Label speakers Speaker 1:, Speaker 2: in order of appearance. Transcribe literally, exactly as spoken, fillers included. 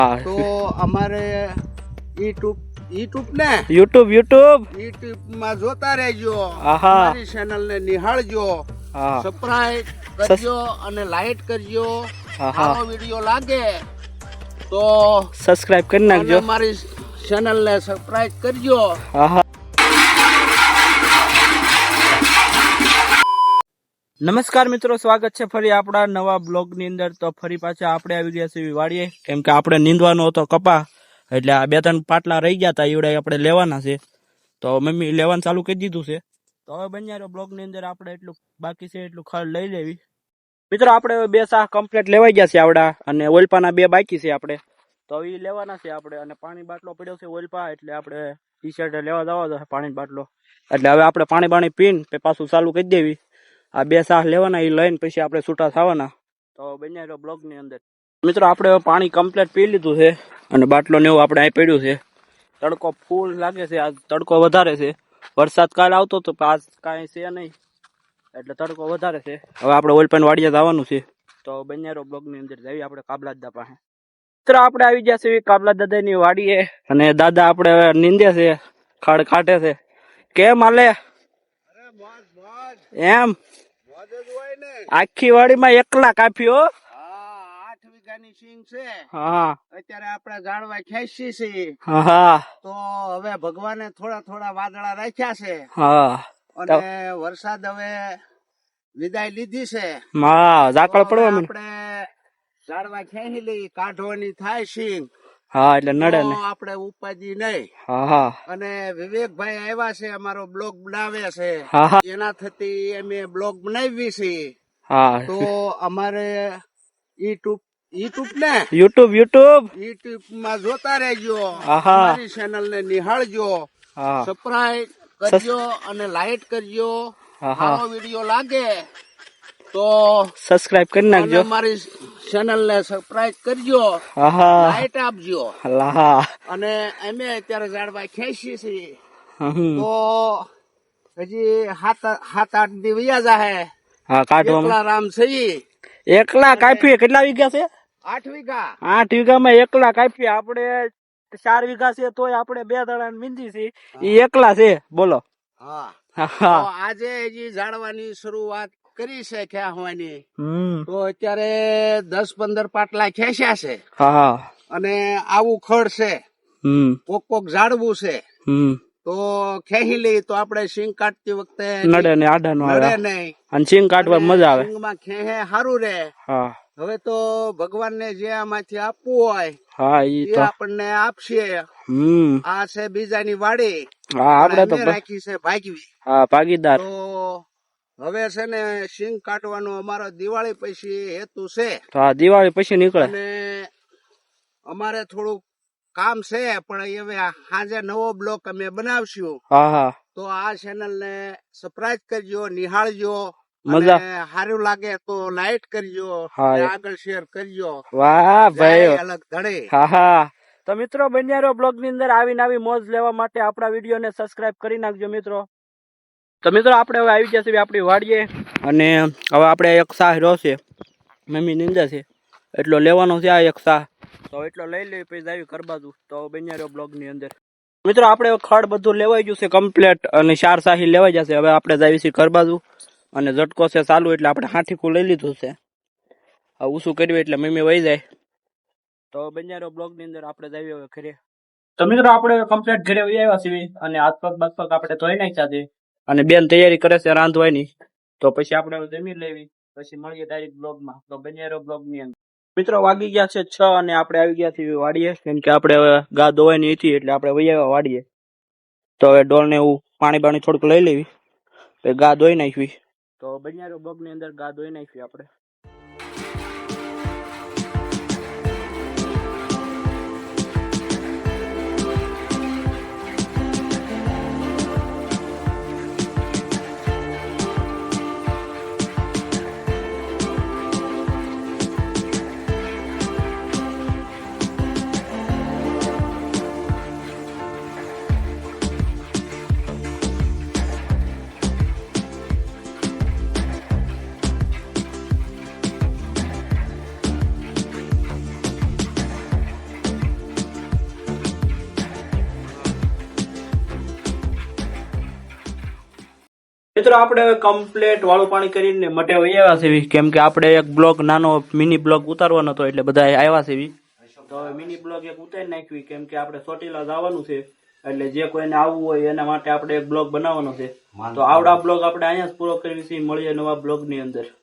Speaker 1: તો અમારે YouTube YouTube ને
Speaker 2: યુટ્યુબ યુટ્યુબ
Speaker 1: યુટ્યુબ માં જોતા રહેજો,
Speaker 2: આહા.
Speaker 1: અમારી ચેનલ ને નિહાળજો,
Speaker 2: હા
Speaker 1: સબસ્ક્રાઇબ કરજો અને લાઈક કરજો.
Speaker 2: આહા.
Speaker 1: સારો વિડિયો લાગે તો
Speaker 2: સબસ્ક્રાઇબ કરી
Speaker 1: અને
Speaker 2: નાખજો.
Speaker 1: અમારી ચેનલ ને સબસ્ક્રાઇબ કરજો.
Speaker 2: આહા. નમસ્કાર મિત્રો, સ્વાગત છે ફરી આપણા નવા બ્લોગ ની અંદર. તો ફરી પાછા આપણે આવી ગયા છીએ વાડીએ, કેમ કે આપણે નીંદવાનો હતો કપા, એટલે આ બે ત્રણ પાટલા રહી ગયા હતા, એવડે આપણે લેવાના છે. તો મમ્મી લેવાનું ચાલુ કરી દીધું છે. તો હવે બન્યા બ્લોગ ની અંદર આપણે એટલું બાકી છે એટલું ખડ લઈ લેવી. મિત્રો આપણે બે શાહ કમ્પ્લીટ લેવાઈ ગયા છે આવડા, અને ઓલપાના બે બાકી છે આપણે, તો એ લેવાના છે આપણે. અને પાણી બાટલો પડ્યો છે ઓલપા, એટલે આપણે ટી શર્ટ લેવા જવા દો પાણી બાટલો. એટલે હવે આપણે પાણી બાણી પીને પાછું ચાલુ કરી દેવી. આ બે શાહ લેવાના, એ લઈને પછી આપણે છૂટા થવાના. તો બન્યા રહ્યો બ્લોગ ની અંદર. મિત્રો આપણે પાણી કમ્પ્લીટ પી લીધું છે, અને બાટલો ને એવું આપણે અહીં પડ્યું છે. તડકો ફૂલ લાગે છે, આજ તડકો વધારે છે. વરસાદ કાલ આવતો તો આજ કાંઈ છે નહીં, એટલે તડકો વધારે છે. હવે આપણે ઓલપાન વાડીએ જવાનું છે, તો બન્યા રહ્યો બ્લોગ ની અંદર. જઈએ આપણે કાબલા દાદા પાસે. મિત્રો આપણે આવી ગયા છે કાબલા દાદા ની વાડીએ, અને દાદા આપણે નીંદે છે, ખડ કાઢે છે. કેમ હાલે એમ? આખી વાડીમાં એકલા કાપ્યો.
Speaker 1: આઠ વીઘાની સિંગ છે.
Speaker 2: હા
Speaker 1: અત્યારે આપણે જાણવા ખેંચી છે.
Speaker 2: હા
Speaker 1: તો હવે ભગવાને થોડા થોડા વાદળા રાખ્યા છે,
Speaker 2: હા
Speaker 1: અને વરસાદ હવે વિદાય લીધી છે.
Speaker 2: હા ઝાકળ પડવા માંડ્યું.
Speaker 1: આપણે ઝાડવા ખેંચી લઈ, કાઢવાની થાય સિંગ.
Speaker 2: હા એટલે નડે ને.
Speaker 1: આપણે ઉપાધિ નહીં.
Speaker 2: હા હા
Speaker 1: અને વિવેકભાઈ આવ્યા છે, અમારો બ્લોગ બનાવે છે.
Speaker 2: હા હા
Speaker 1: એના થતી અમે બ્લોગ બનાવી છે.
Speaker 2: હા
Speaker 1: તો અમારે યુટ્યુબ યુટ્યુબ ને
Speaker 2: યુટ્યુબ યુટ્યુબ
Speaker 1: યુટ્યુબ માં જોતા રહેજો,
Speaker 2: આહા.
Speaker 1: અમારી ચેનલ ને નિહાળજો,
Speaker 2: હા
Speaker 1: સબસ્ક્રાઇબ કરજો અને લાઈક કરજો.
Speaker 2: આહા.
Speaker 1: સારો વિડિયો લાગે તો
Speaker 2: સબસ્ક્રાઇબ કરી
Speaker 1: અને
Speaker 2: નાખજો.
Speaker 1: અમારી ચેનલ ને સબસ્ક્રાઇબ કરજો,
Speaker 2: આહા
Speaker 1: લાઈટ આપજો.
Speaker 2: હા
Speaker 1: અને અમે અત્યારે ઝાડવા ખેંચીએ છીએ,
Speaker 2: હમ.
Speaker 1: તો હજી સાત સાત આઠ દી વયા જાહે.
Speaker 2: હા કાઢવામાં
Speaker 1: એકલા રામ છે.
Speaker 2: એકલા કાપીએ. કેટલા વીઘા છે?
Speaker 1: આઠ વીઘા.
Speaker 2: આઠ વીઘામાં એકલા કાપીએ. આપણે ચાર વીઘા છે, તોય આપણે બે દડા મીંદી છે, એ એકલા છે. બોલો.
Speaker 1: હા
Speaker 2: હા
Speaker 1: તો આજે હજી ઝાડવાની શરૂઆત કરી છે ખેંચવાની.
Speaker 2: હમ
Speaker 1: તો અત્યારે દસ પંદર પાટલા ખેંચ્યા છે,
Speaker 2: હા
Speaker 1: અને આવું ખડ છે,
Speaker 2: હમ
Speaker 1: કોક કોક ઝાડવું છે.
Speaker 2: હમ
Speaker 1: તો ખેંચી લઈ તો આપણે સિંગ કાઢતી વખતે
Speaker 2: નડે ને આડા નો
Speaker 1: નડે
Speaker 2: આવે,
Speaker 1: નહીં,
Speaker 2: અને સિંગ કાઢવા મજા આવે.
Speaker 1: સિંગમાં ખેહે સારું રે.
Speaker 2: હા
Speaker 1: હવે તો ભગવાનને જે આમાંથી આપવું હોય
Speaker 2: હા ઈ
Speaker 1: એ
Speaker 2: તો
Speaker 1: આપણને આપશે.
Speaker 2: હમ
Speaker 1: આ છે બીજાની વાડી,
Speaker 2: હા આપણે તો
Speaker 1: અમે રાખી છે ભાગવી.
Speaker 2: હા ભાગીદાર.
Speaker 1: તો હવે છે ને સિંગ કાઢવાનો અમારો દિવાળી પછી હેતુ છે.
Speaker 2: તો આ દિવાળી પછી નીકળે.
Speaker 1: અને અમારે થોડુંક કામ છે, પણ હવે સાંજે નવો બ્લોક અમે બનાવશું.
Speaker 2: હા હા
Speaker 1: તો આ ચેનલ ને સબસ્ક્રાઇબ કરજો, નિહાળજો.
Speaker 2: મજા.
Speaker 1: અને સારું લાગે તો લાઈક કરજો,
Speaker 2: હા.
Speaker 1: અને આગળ શેર કરજો.
Speaker 2: વાહ ભાઈ.
Speaker 1: જય અલગ ધડે.
Speaker 2: હા હા તો મિત્રો બન્યા રહો બ્લોગ ની અંદર. આવી નવી મોજ લેવા માટે આપણા વિડીયો ને સબસ્ક્રાઇબ કરી નાખજો મિત્રો. તો મિત્રો આપણે હવે આવી ગયા છીએ આપણી વાડીએ, અને હવે આપણે એક શાહ રહ્યો છે, મમ્મી નિંદા છે, એટલો લેવાનો છે આ એક શાહ. તો એટલો લઈ લઈ પછી આવી ઘર બાજુ. તો બન્યા રહ્યો બ્લોગ ની અંદર. મિત્રો આપણે ખડ બધું લેવાઈ ગયું છે કમ્પ્લેટ, અને ચાર શાહી લેવાઈ જશે. હવે આપણે જાવી છીએ ઘર બાજુ, અને ઝટકો છે ચાલુ, એટલે આપણે હાથીકું લઈ લીધું છે. હવે ઊંચું કર્યું એટલે મમ્મી વહી જાય. તો બન્યા રહ્યો બ્લોગ ની અંદર. આપણે જાવી હવે ઘરે. તો મિત્રો આપણે કમ્પ્લીટ ઘરે વહી આવ્યા છીએ, અને હાથ પગ બાગ પગ આપણે ધોઈ નાખ્યા છે, અને બેન તૈયારી કરે છે રાંધવાની. તો પછી આપણે જમી લેવી, પછી મળીએ ડાયરેક્ટ બ્લોગમાં. તો બન્યા રહ્યો બ્લોગ ની અંદર. મિત્રો વાગી ગયા છે છ, અને આપણે આવી ગયા છીએ વાડીએ, કેમ કે આપણે હવે ગા ધોવાની હતી, એટલે આપણે વહી આવ્યા વાડીએ. તો હવે ડોળ ને એવું પાણી બાણી થોડુંક લઈ લેવી, ગા ધોઈ નાખવી. તો બન્યા રહ્યો બ્લોગ ની અંદર. ગા ધોઈ નાખવી આપણે. મિત્રો આપણે કમ્પ્લેટ વાળું પાણી કરીને મટે આવ્યા છે કેમ કે આપણે એક બ્લોક નાનો મિની બ્લોક ઉતારવાનો હતો એટલે બધા આવ્યા છે તો હવે મિની બ્લોક એક ઉતારી નાખવી કેમ કે આપણે ચોટીલા જવાનું છે એટલે જે કોઈને આવવું હોય એના માટે આપણે એક બ્લોક બનાવવાનો છે તો આવડા બ્લોગ આપણે અહીંયા જ પૂરો કરવી છે મળીએ નવા બ્લોગ ની અંદર.